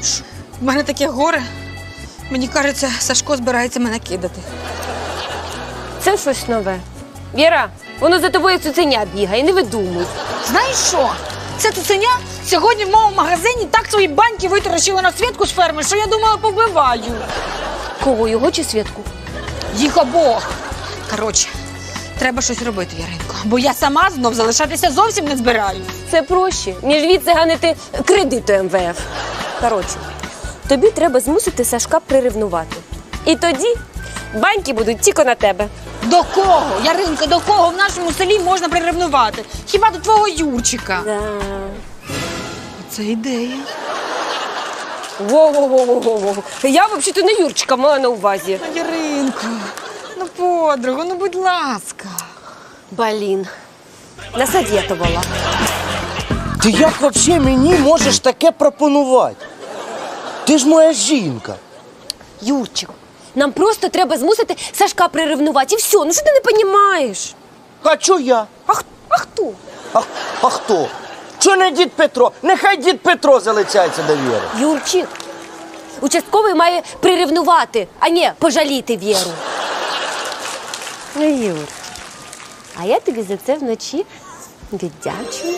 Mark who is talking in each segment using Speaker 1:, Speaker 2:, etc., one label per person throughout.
Speaker 1: В мене таке горе. Мені кажеться, Сашко збирається мене кидати.
Speaker 2: Це щось нове. Віра, воно за тобою як цуценя бігає, не видумуй.
Speaker 1: Знаєш що? Це цуценя сьогодні в моєму магазині так свої баньки витаращила на Свідку з ферми, що я думала, повбиваю.
Speaker 2: Кого, його чи Свідку?
Speaker 1: Їх обох. Коротше, треба щось робити, Яринко. Бо я сама знов залишатися зовсім не збираюсь.
Speaker 2: Це проще, ніж відциганити кредиту МВФ. Коротше, тобі треба змусити Сашка приревнувати. І тоді баньки будуть тільки на тебе.
Speaker 1: До кого, Яринко, до кого в нашому селі можна приревнувати? Хіба до твого Юрчика?
Speaker 2: Да.
Speaker 1: Це ідея.
Speaker 2: Во-во-во-во-во. Я взагалі-то не Юрчика мала на увазі.
Speaker 1: Яринко, ну подругу, ну будь ласка.
Speaker 2: Блін, насадєтувала.
Speaker 3: Ти як взагалі мені можеш таке пропонувати? Ти ж моя жінка.
Speaker 2: Юрчик, нам просто треба змусити Сашка приревнувати. І все, ну що ти не розумієш?
Speaker 3: А чо я?
Speaker 2: А хто?
Speaker 3: А хто? Чо не дід Петро? Нехай дід Петро залицяється до Віри.
Speaker 2: Юрчик, участковий має приревнувати, а не пожаліти Віру. Ну, Юр, а я тобі за це вночі віддячу.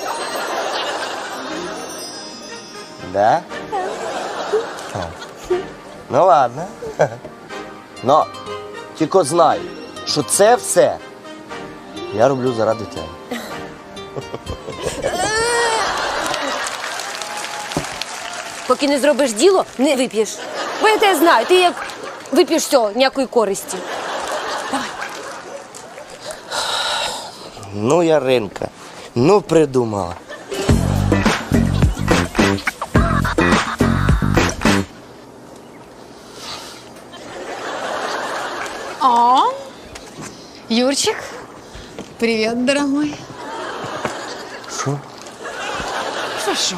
Speaker 3: Да? Ну ладно. Но тільки знай, що це все я роблю заради тебе.
Speaker 2: Поки не зробиш діло, не вип'єш. Бо я тебе знаю, ти як вип'єш все, ніякої користі.
Speaker 3: Ну, Яринка, ну придумала.
Speaker 1: О, Юрчик, привет, дорогой.
Speaker 3: Що?
Speaker 1: Що?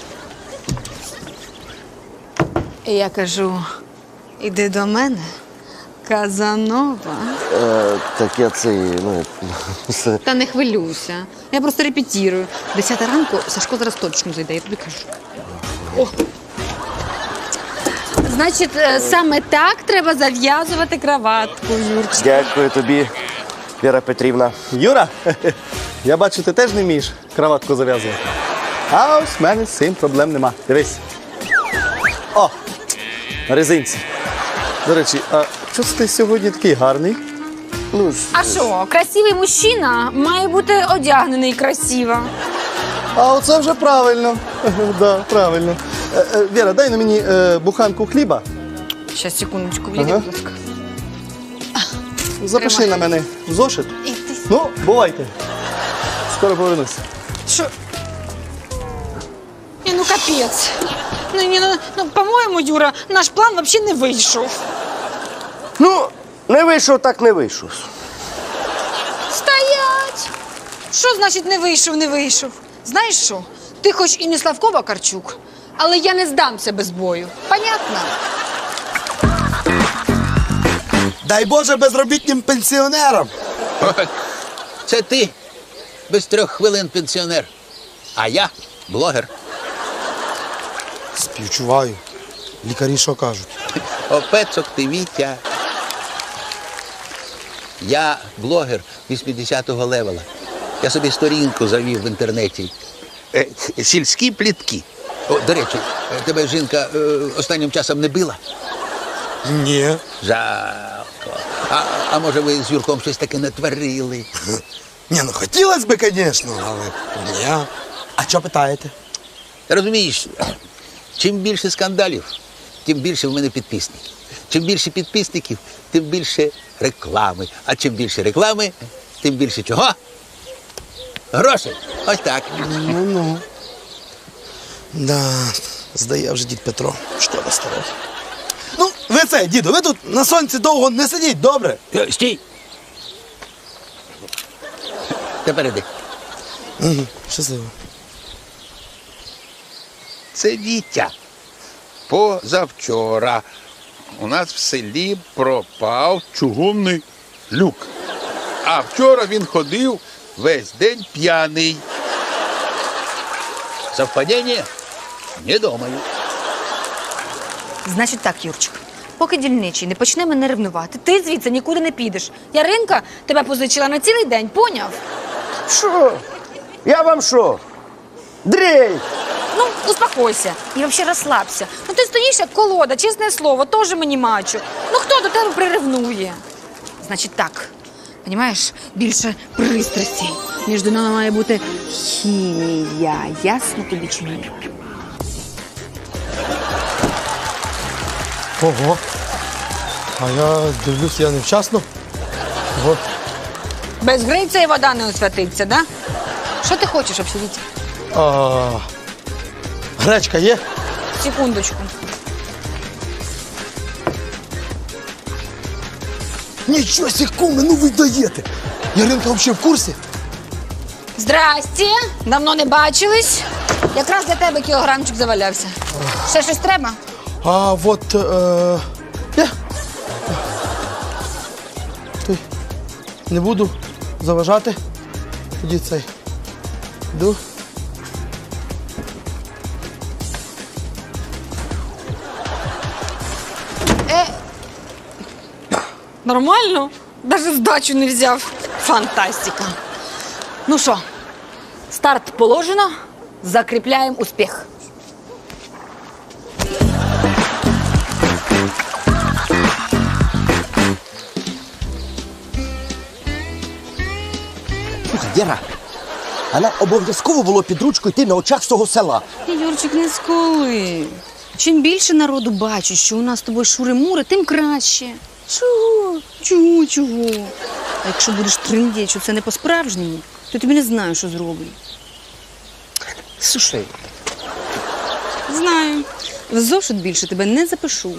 Speaker 1: Я кажу, іди до мене, Казанова.
Speaker 3: Так я це, ну...
Speaker 1: Та не хвилюйся. Я просто репетирую. 10 ранку Сашко зараз точно зайде, я тобі кажу. О. Значить, саме так треба зав'язувати краватку, Юрчик.
Speaker 3: Дякую тобі, Віра Петрівна.
Speaker 4: Юра, я бачу, ти теж не вмієш краватку зав'язувати. А ось в мене з цим проблем нема. Дивись. О, на резинці. До речі, а чого ти сьогодні такий гарний?
Speaker 3: Ну,
Speaker 1: А що, красивий мужчина має бути одягнений красиво.
Speaker 4: А оце вже правильно. Да, правильно. Віра, дай на мені буханку хліба.
Speaker 1: Щас, секундочку, відійди,
Speaker 4: Ага.
Speaker 1: будь ласка.
Speaker 4: Запиши на мене в зошит. Ну, бувайте. Скоро повернуся.
Speaker 1: Що? Ну, капець. Ну, по-моєму, Юра, наш план взагалі не вийшов.
Speaker 3: Ну, не вийшов, так не вийшов.
Speaker 1: Стоять! Що значить не вийшов? Знаєш що? Ти хоч і не Славко Вакарчук, але я не здамся без бою. Понятно?
Speaker 5: Дай Боже безробітним пенсіонерам.
Speaker 6: Це ти без 3 хвилин пенсіонер, а я блогер.
Speaker 5: Співчуваю. Лікарі що кажуть?
Speaker 6: Опецок ти, Вітя. Я блогер 80-го левела. Я собі сторінку завів в інтернеті. Сільські плітки. О, до речі, тебе жінка останнім часом не била?
Speaker 5: Ні.
Speaker 6: Жалко. А може ви з Юрком щось таке натворили?
Speaker 5: Ні, ну хотілося б, звісно, але ні. А що питаєте?
Speaker 6: Ти розумієш, чим більше скандалів, тим більше в мене підписників. Чим більше підписників, тим більше реклами. А чим більше реклами, тим більше чого? Грошей. Ось так.
Speaker 5: Ну. Да, здає вже дід Петро. Шкода старого. Ну, ви це, діду, ви тут на сонці довго не сидіть, добре?
Speaker 6: Стій. Тепер іди.
Speaker 5: Угу, щасливо.
Speaker 7: Це Вітя. Позавчора у нас в селі пропав чугунний люк. А вчора він ходив весь день п'яний.
Speaker 6: Совпадение? Не думаю.
Speaker 1: Значить так, Юрчик, поки дільничий не почне мене ревнувати, ти звідси нікуди не підеш. Яринка тебе позичила на цілий день, поняв?
Speaker 3: Що? Я вам що? Дрей!
Speaker 1: Ну, успокойся і взагалі розслабся. Ну ти стоїш як колода, чесне слово, теж мені мачо. Ну хто до тебе приревнує? Значить так, розумієш, більше пристрасті. Між нами має бути хімія. Ясно тобі чи ні?
Speaker 5: Ого. А я дивлюсь, я невчасно. Ого.
Speaker 1: Без гриця і вода не освятиться, да? Що ти хочеш обсудити?
Speaker 5: Гречка є?
Speaker 1: Секундочку.
Speaker 5: Нічого сі, куме, ну ви даєте. Яринка взагалі в курсі?
Speaker 1: Здрасте, давно не бачились. Якраз для тебе кілограмчик завалявся. Ще щось треба?
Speaker 5: А от... Я. Ти. Не буду заважати. Тоді цей. Йду.
Speaker 1: Нормально? Даже здачу не взяв. Фантастика. Ну що, старт положено, закріпляємо успіх.
Speaker 3: Слухай, Віра, а нам обов'язково було під ручку йти на очах всього села.
Speaker 1: Юрчик, не сколи. Чим більше народу бачить, що у нас з тобою шури-мури, тим краще. Чого? Чого? А якщо будеш триндіти, що це не по-справжньому, то я тобі не знаю, що зроблю.
Speaker 3: Слушай,
Speaker 1: Знаю. В зошит більше тебе не запишу.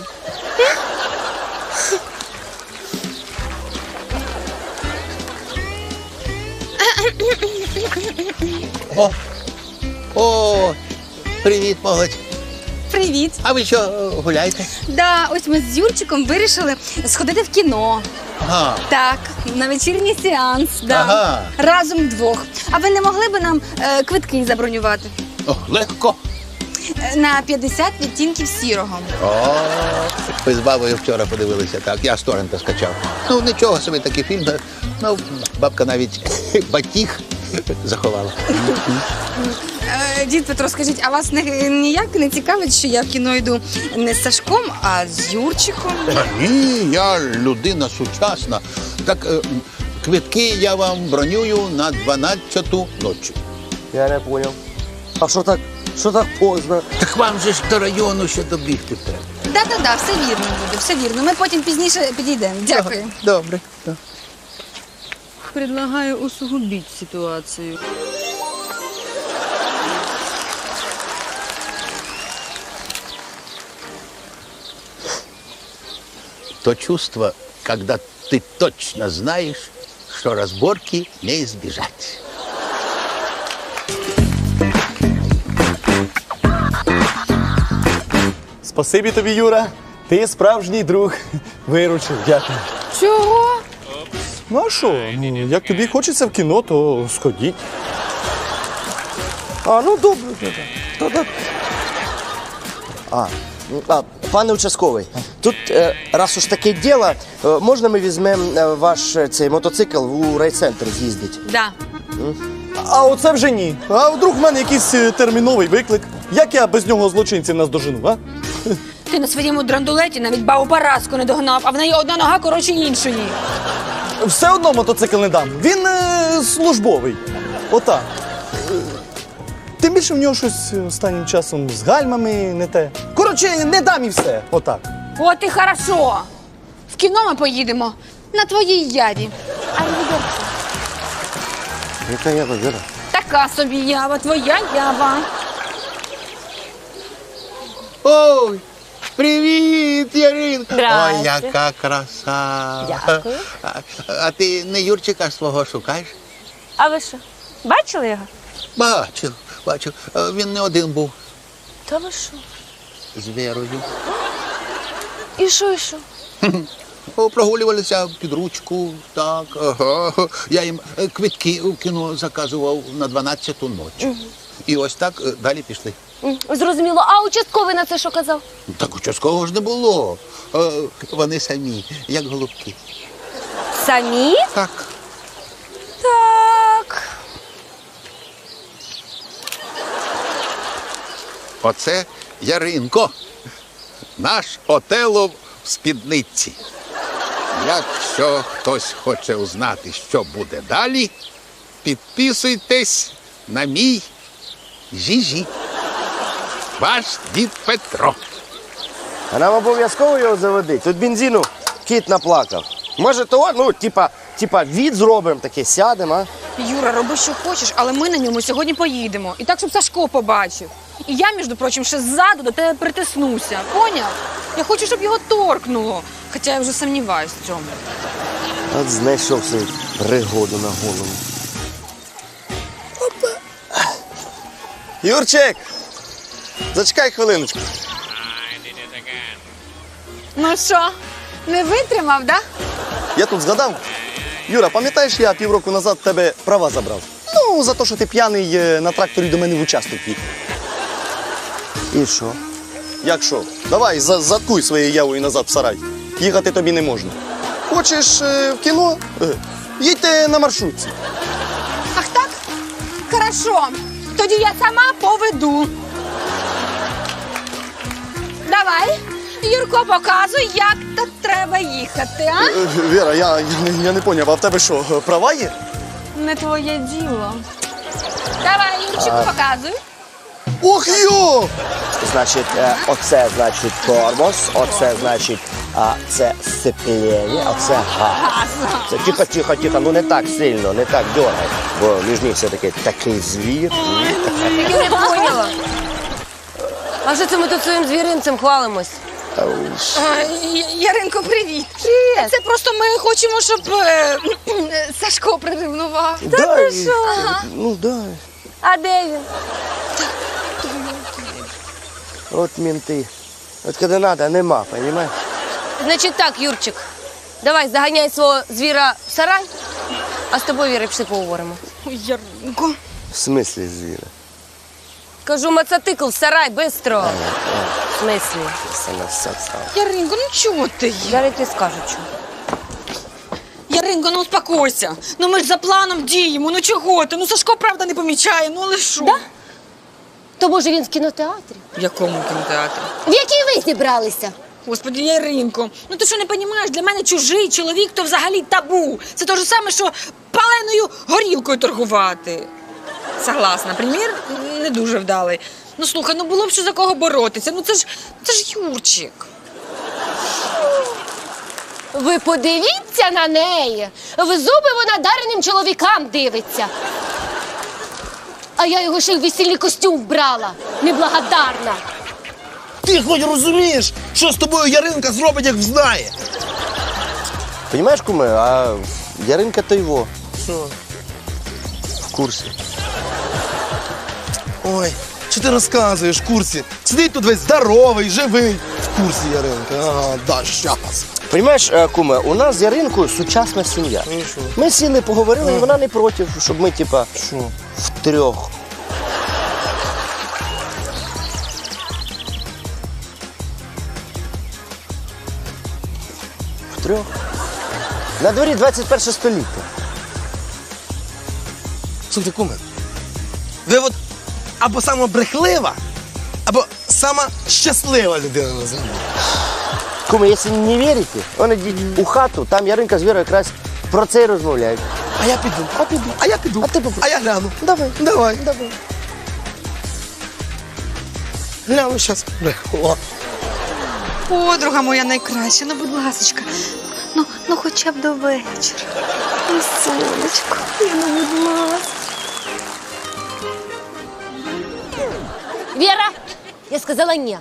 Speaker 6: О, привіт, молодь.
Speaker 1: Привіт.
Speaker 6: А ви що, гуляєте?
Speaker 1: Да, ось ми з Юрчиком вирішили сходити в кіно.
Speaker 6: Ага.
Speaker 1: Так, на вечірній сеанс. Да.
Speaker 6: Ага.
Speaker 1: Разом вдвох. А ви не могли б нам квитки забронювати?
Speaker 6: О, легко.
Speaker 1: На 50 відтінків сірого.
Speaker 6: О, ви з бабою вчора подивилися, так. Я з торрента скачав. Ну, нічого собі такий фільм. Ну, бабка навіть батіг заховала.
Speaker 1: Дід Петро, скажіть, а вас ніяк не цікавить, що я в кіно йду не з Сашком, а з Юрчиком?
Speaker 6: Ні, я людина сучасна. Так, квитки я вам бронюю на 12-ту ночі.
Speaker 3: я не поняв. А що так поздно?
Speaker 6: Так вам же ж до району ще добігти треба.
Speaker 1: Да, все вірно буде, все вірно. Ми потім пізніше підійдемо. Дякую.
Speaker 6: Добре.
Speaker 1: Предлагаю усугубити ситуацію.
Speaker 6: То чувство, когда ты точно знаешь, что разборки не избежать.
Speaker 4: Спасибі тобі, Юра. Ти справжній друг. Виручив, дякую.
Speaker 1: Чого?
Speaker 4: Ну а що? Ну, як тобі хочеться в кіно, то сходіть.
Speaker 3: А, ну добре. Пане участковий, тут, раз уж таке діло, можна ми візьмемо ваш цей мотоцикл у райцентр з'їздити?
Speaker 1: Да.
Speaker 4: А оце вже ні. А вдруг в мене якийсь терміновий виклик. Як я без нього злочинців наздожену, а?
Speaker 1: Ти на своєму драндулеті навіть бабу Параску не догнав, а в неї одна нога коротше іншої.
Speaker 4: Все одно мотоцикл не дам. Він службовий. Отак. Тим більше в нього щось останнім часом з гальмами не те. Коротше, не дам і все. Отак.
Speaker 1: От і хорошо. В кіно ми поїдемо на твоїй яві.
Speaker 3: Яка я Віра?
Speaker 1: Така собі ява, твоя ява.
Speaker 6: Ой, привіт, Яринка.
Speaker 2: Здрасте.
Speaker 6: Ой, яка краса.
Speaker 2: Дякую.
Speaker 6: А ти не Юрчика свого шукаєш?
Speaker 2: А ви що? Бачили його?
Speaker 6: Бачу. Він не один був
Speaker 2: Та ви що?
Speaker 6: з Вірою.
Speaker 2: І що?
Speaker 6: Прогулювалися під ручку, так. Ага. Я їм квитки у кіно заказував на 12-ту ночі. І ось так далі пішли.
Speaker 2: Зрозуміло. А участковий на це що казав?
Speaker 6: Так участкового ж не було. Вони самі, як голубки.
Speaker 2: Самі?
Speaker 6: Так.
Speaker 2: Так.
Speaker 7: Оце Яринко, наш Отелло в спідниці. Якщо хтось хоче узнати, що буде далі, підписуйтесь на мій Жіжі. Ваш дід Петро.
Speaker 3: А нам обов'язково його заводити. Тут бензину кіт наплакав. Може того, ну, типа від зробимо таке, сядемо, а?
Speaker 1: Юра, роби, що хочеш, але ми на ньому сьогодні поїдемо. І так, щоб Сашко побачив. І я, між прочим, ще ззаду до тебе притиснуся. Поняв? Я хочу, щоб його торкнуло. Хоча я вже сумніваюсь в цьому.
Speaker 3: От знайшов свою пригоду на голову.
Speaker 4: Юрчик, зачекай хвилиночку.
Speaker 1: Ну що, не витримав, да?
Speaker 4: Я тут згадав. Юра, пам'ятаєш, я півроку назад в тебе права забрав? Ну, за те, що ти п'яний на тракторі до мене в участок їхав.
Speaker 3: І що?
Speaker 4: Як що? Давай, заткуй своєю явою назад в сарай. Їхати тобі не можна. Хочеш в кіно? Їдьте на маршрутці.
Speaker 1: Ах так? Хорошо. Тоді я сама поведу. Давай, Юрко, показуй, як тут треба їхати, а?
Speaker 4: Віра, я не поняв, а в тебе що, права є?
Speaker 1: Не твоє діло. Давай, Юрчику, показуй.
Speaker 4: Ох йо!
Speaker 3: Значить, оце, значить, тормоз, оце, значить, це сцеплення, оце газ. Це тихо, ну не так сильно, не так дьоргай, бо між них все-таки такий звір.
Speaker 2: Я не поняла. А що це ми тут своїм звіринцем хвалимось?
Speaker 1: Яринко, привіт.
Speaker 2: Привіт.
Speaker 1: Це просто ми хочемо, щоб Сашко приревнував.
Speaker 3: Дай,
Speaker 2: ти що?
Speaker 3: ну дай.
Speaker 2: А де він?
Speaker 3: От менти. От коли треба, нема, розумієш?
Speaker 2: Значить так, Юрчик, давай заганяй свого звіра в сарай, а з тобою, Віра, пішли поговоримо.
Speaker 1: Ой, Яринко.
Speaker 3: В смислі звіра?
Speaker 2: Кажу, мотоцикл в сарай, бистро. В смислі?
Speaker 3: Саме все стало.
Speaker 1: Яринко, ну чого ти?
Speaker 2: Зараз ти скажу, що.
Speaker 1: Яринко, ну успокойся. Ну ми ж за планом діємо, ну чого ти? Ну Сашко, правда, не помічає, ну але що?
Speaker 2: Да? То може він в кінотеатрі?
Speaker 1: В якому кінотеатрі?
Speaker 2: В який ви зібралися?
Speaker 1: Господи, Яринко, ну ти що не розумієш, для мене чужий чоловік то взагалі табу. Це те ж саме, що паленою горілкою торгувати. Согласна, примір не дуже вдалий. Ну слухай, ну було б що за кого боротися. Ну це ж Юрчик.
Speaker 2: Ви подивіться на неї. В зуби вона дареним чоловікам дивиться. А я його ще й в весільний костюм вбрала. Неблагодарна.
Speaker 5: Ти хоч розумієш, що з тобою Яринка зробить, як взнає?
Speaker 3: Понимаєш, куме, а Яринка то його.
Speaker 5: Що?
Speaker 3: В курсі.
Speaker 5: Ой, що ти розказуєш в курсі? Сидить тут весь здоровий, живий. В курсі Яринка. Ага, да, щас.
Speaker 3: Понимаєш, куме, у нас з Яринкою сучасна сім'я.
Speaker 5: Ну, що?
Speaker 3: Ми сіли, поговорили, і вона не проти, щоб ми, типа,
Speaker 5: Що?
Speaker 3: втрьох. Втрьох? На дворі 21 століття.
Speaker 5: Слухайте, куме, ви от або сама брехлива, або сама щаслива людина на землі.
Speaker 3: Куме, якщо не вірите, вони йдіть у хату, там Яринка з Вірою якраз про це і розмовляють.
Speaker 5: А я піду, а я піду.
Speaker 3: А ти попробуй.
Speaker 5: А я гляну.
Speaker 3: Давай.
Speaker 5: Давай.
Speaker 3: Давай.
Speaker 5: Гляну щас брехло.
Speaker 1: Подруга моя найкраща, ну будь ласочка. Ну хоча б до вечора. Ну, сонечко, ну будь ласка.
Speaker 2: Віра, я сказала ні.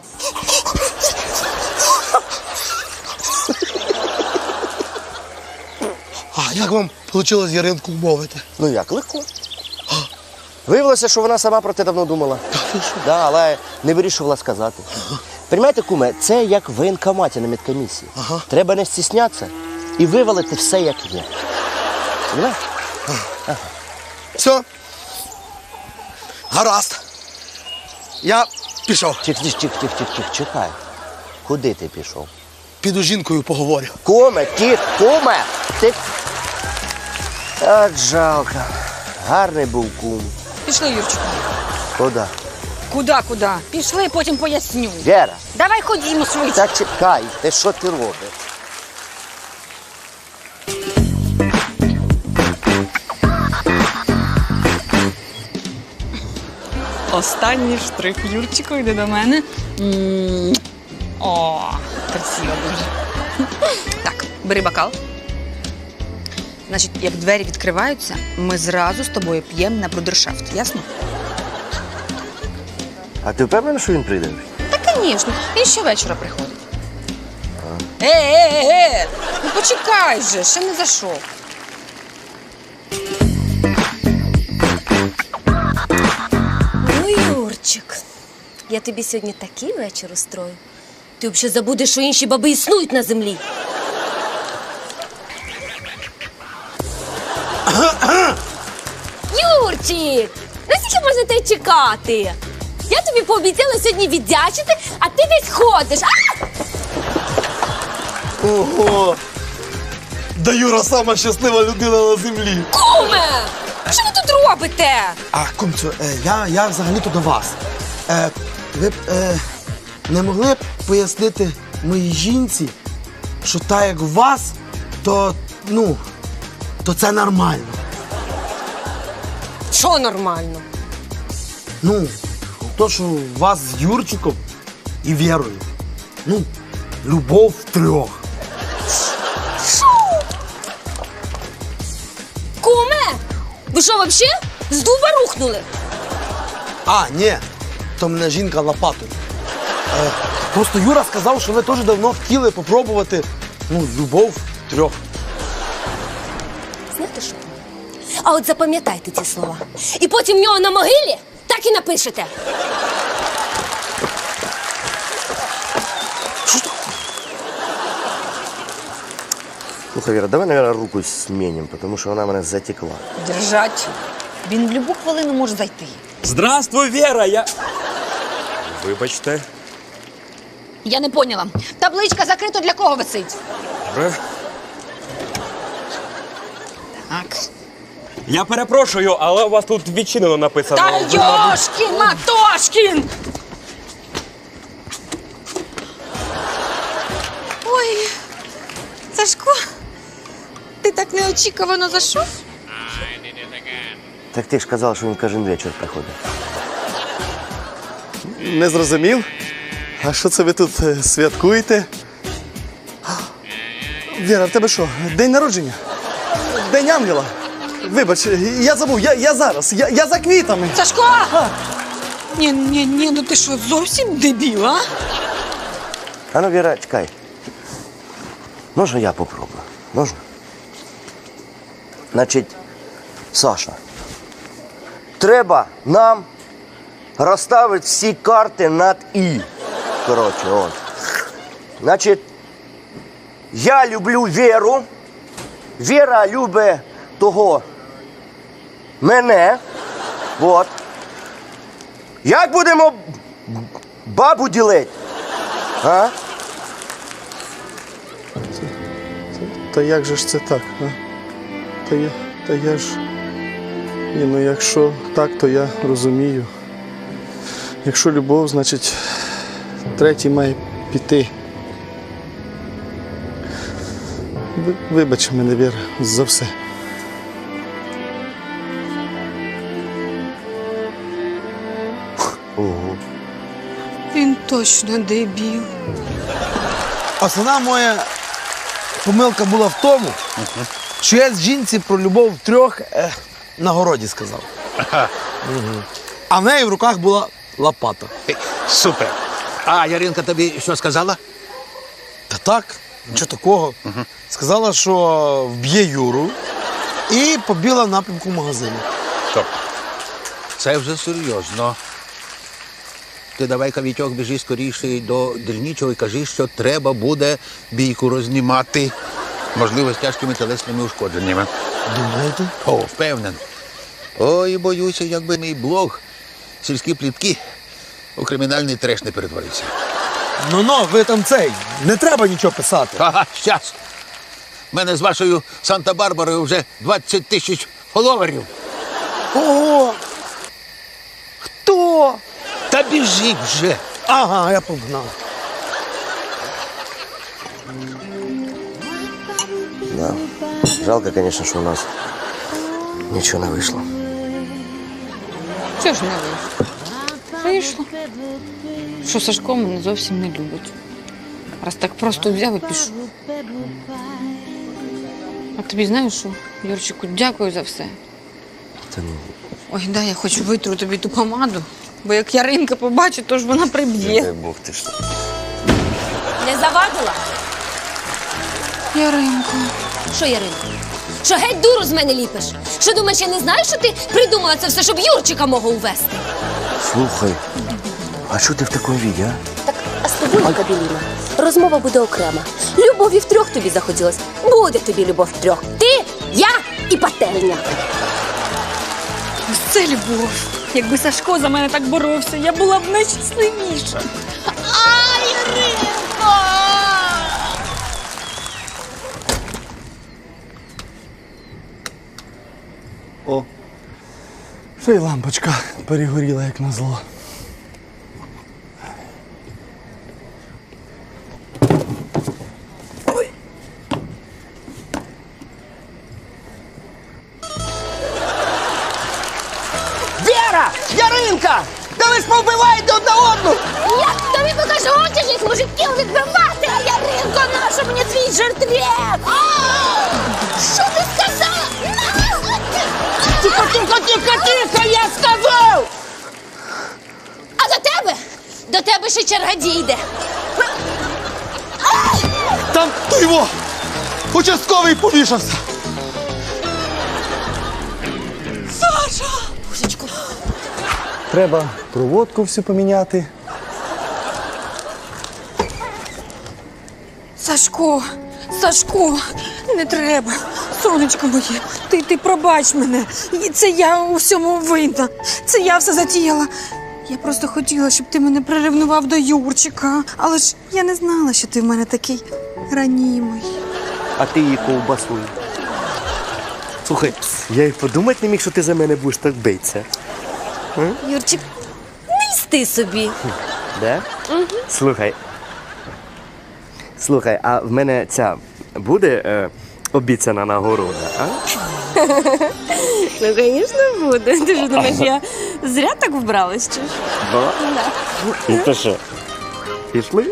Speaker 5: А як вам вийшло Яринку вмовити?
Speaker 3: Ну як, легко. Виявилося, що вона сама про те давно думала. Да, але не вирішувала сказати. Понимаєте, куме, це як в воєнкоматі на медкомісії. Треба не стіснятися і вивалити все, як є. Понимаєш?
Speaker 5: Все. Гаразд. Я Пішов.
Speaker 3: Чекай. Куди ти пішов?
Speaker 5: Піду з жінкою поговорю.
Speaker 3: Куме, куме! Ти... Так жалко. Гарний був кум.
Speaker 1: Пішли, Юрчику.
Speaker 3: Куди?
Speaker 1: Куди? Пішли, потім поясню.
Speaker 3: Вера,
Speaker 1: Давай ходімо швидше.
Speaker 3: та чекай, ти що ти робиш?
Speaker 1: Останній штрих. Юрчику, йди до мене. О, красиво дуже. Так, бери бокал. Значить, як двері відкриваються, ми зразу з тобою п'ємо на брудершафт, ясно?
Speaker 3: А ти впевнений, що він прийде?
Speaker 1: Та, звісно, він щовечора приходить. Ну почекай же, ще не зайшов.
Speaker 2: Ну, Юрчик, я тобі сьогодні такий вечір устрою. Ти взагалі забудеш, що інші баби існують на землі. Юрчик, наскільки можна тебе чекати? Я тобі пообіцяла сьогодні віддячити, а ти десь ходиш. А!
Speaker 5: Ого! Да Юра сама щаслива людина на землі.
Speaker 2: Куме! Що ви тут робите?
Speaker 5: А, кумцю, я взагалі-то до вас. Ви б не могли б пояснити моїй жінці, що так як у вас, то це нормально.
Speaker 2: Що нормально?
Speaker 5: Ну, то, що у вас з Юрчиком і Вірою. Ну, любов втрьох.
Speaker 2: Куме! Ви що, взагалі з дуба рухнули?
Speaker 5: А, ні, то мене жінка лопатою. Просто Юра сказав, що ви теж давно хотіли попробувати, любов втрьох.
Speaker 2: Знаєте що? А от запам'ятайте ці слова. І потім в нього на могилі так і напишете.
Speaker 3: Слухай, Віра, давай, наверное, руку змінимо, тому що вона мене затекла.
Speaker 1: Держать. Він в будь-яку хвилину може зайти.
Speaker 8: Здравствуй, Вера, Вибачте.
Speaker 1: Я не поняла. Табличка закрита для кого висить?
Speaker 8: Добре.
Speaker 1: Так.
Speaker 8: Я перепрошую, але у вас тут відчинено написано.
Speaker 1: Та
Speaker 8: Ви, мабуть,
Speaker 1: Йошкін Матошкін! Ой, Сашко, ти так неочікувано зайшов?
Speaker 3: Так ти ж казав, що він кожен вечір приходить.
Speaker 4: Не зрозумів? А що це ви тут святкуєте? Віра, в тебе що, день народження? День ангела? Вибач, я забув, я зараз, я за квітами.
Speaker 1: Сашко! Ні, ну ти що, зовсім дебіл, а?
Speaker 3: А ну, Віра, чекай. Можна я попробую? Можна? Значить, Саша, треба нам розставити всі карти над «і». Коротше, от. Значить, я люблю Віру, Віра любить того мене. От. Як будемо бабу ділити? А?
Speaker 4: Та як же ж це так? А? Та я ж. Ні, ну якщо так, то я розумію. Якщо любов, значить третій має піти. Вибач мене, Віра, за все.
Speaker 3: Ого.
Speaker 1: Він точно дебіл.
Speaker 5: Основна моя помилка була в тому, що я з жінці про любов втрьох на городі сказав. А в неї в руках була лопата.
Speaker 6: Супер. А Яринка тобі що сказала?
Speaker 5: Та так, нічого такого. Сказала, що вб'є Юру і побігла в напрямку магазину.
Speaker 6: Стоп. Це вже серйозно. Ти давай-ка, Вітьок, біжи скоріше до дільничого і кажи, що треба буде бійку рознімати. Можливо, з тяжкими тілесними ушкодженнями.
Speaker 5: Думаєте?
Speaker 6: О, впевнений. Ой, боюся, якби мій блог «Сільські плітки» у кримінальний треш не перетворився.
Speaker 5: Ну, ви там цей, не треба нічого писати.
Speaker 6: Ага, щас. У мене з вашою Санта-Барбарою вже 20 тисяч фоловерів.
Speaker 5: Ого! Хто?
Speaker 6: Та біжіть вже.
Speaker 5: Ага, я погнав.
Speaker 3: Да. Жалко, конечно, що у нас нічого не вийшло.
Speaker 1: Чого ж не вийшло? Вийшло. Що Сашко мене зовсім не любить. Раз так просто взяв і пішов. А тобі знаєш що, Юрчику, дякую за все.
Speaker 3: Та ну.
Speaker 1: Ой, да, я хочу витру тобі ту помаду, бо як Яринка побачить, то ж вона приб'є.
Speaker 3: Дай Бог ти що.
Speaker 2: Не завадила?
Speaker 1: Яринко.
Speaker 2: Що, Яринко? Що геть дуру з мене ліпиш? Що думаєш, я не знаю, що ти придумала це все, щоб Юрчика мого увести?
Speaker 3: Слухай, а що ти в такому віді, а?
Speaker 2: Так, а з тобою, Кабеліна, розмова буде окрема. Любові втрьох тобі захотілось. Буде тобі любов втрьох. Ти, я і пательня.
Speaker 1: Ось це любов. Якби Сашко за мене так боровся, я була б найщасливіша. Ай, Яринко!
Speaker 4: О, ще й лампочка перегоріла, як назло.
Speaker 3: Вера! Яринка! Та ви ж повбиваєте одна одну!
Speaker 2: Я тобі покажу очі, мужиків відбивати, а Яринко, наша мені твій жертрет! Що ти сказала?
Speaker 3: Тихо, тихо, тихо, тихо, я сказав!
Speaker 2: А до тебе? До тебе ще черга дійде.
Speaker 4: Там ти його! Участковий повішався!
Speaker 2: Божечко.
Speaker 4: Треба проводку всю поміняти.
Speaker 1: Сашко, Сашко, не треба. Сонечко моє, ти пробач мене. І це я у всьому винна. Це я все затіяла. Я просто хотіла, щоб ти мене приревнував до Юрчика. Але ж я не знала, що ти в мене такий ранімий.
Speaker 3: А ти її ковбасуй. Слухай, я й подумати не міг, що ти за мене будеш так битися.
Speaker 2: Юрчик, не льсти собі.
Speaker 3: Да? Слухай. Слухай, а в мене ця буде обіцяна нагорода, а?
Speaker 2: Ну, звісно, буде. Ти ж думаєш, я зря так вбралась, чи ж?
Speaker 3: Да? Ну то що? Пішли?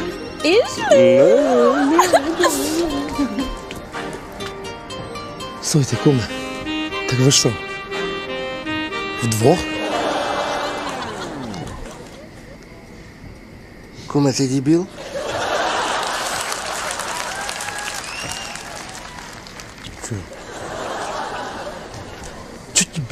Speaker 5: Слухайте, куме, так ви що? Вдвох?
Speaker 3: Куме, ти дебіл?
Speaker 5: Чуть тобі.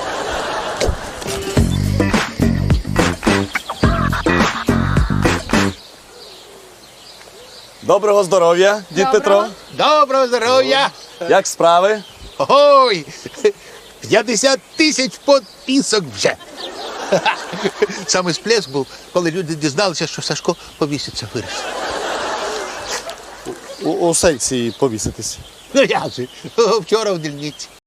Speaker 4: Доброго здоров'я, дід Петро.
Speaker 6: Доброго здоров'я!
Speaker 4: Як справи?
Speaker 6: Ой! 50 тисяч підписок вже. Саме сплеск був, коли люди дізналися, що Сашко повіситься виріс.
Speaker 4: У секції повіситись.
Speaker 6: Ну як же, вчора в дільниці.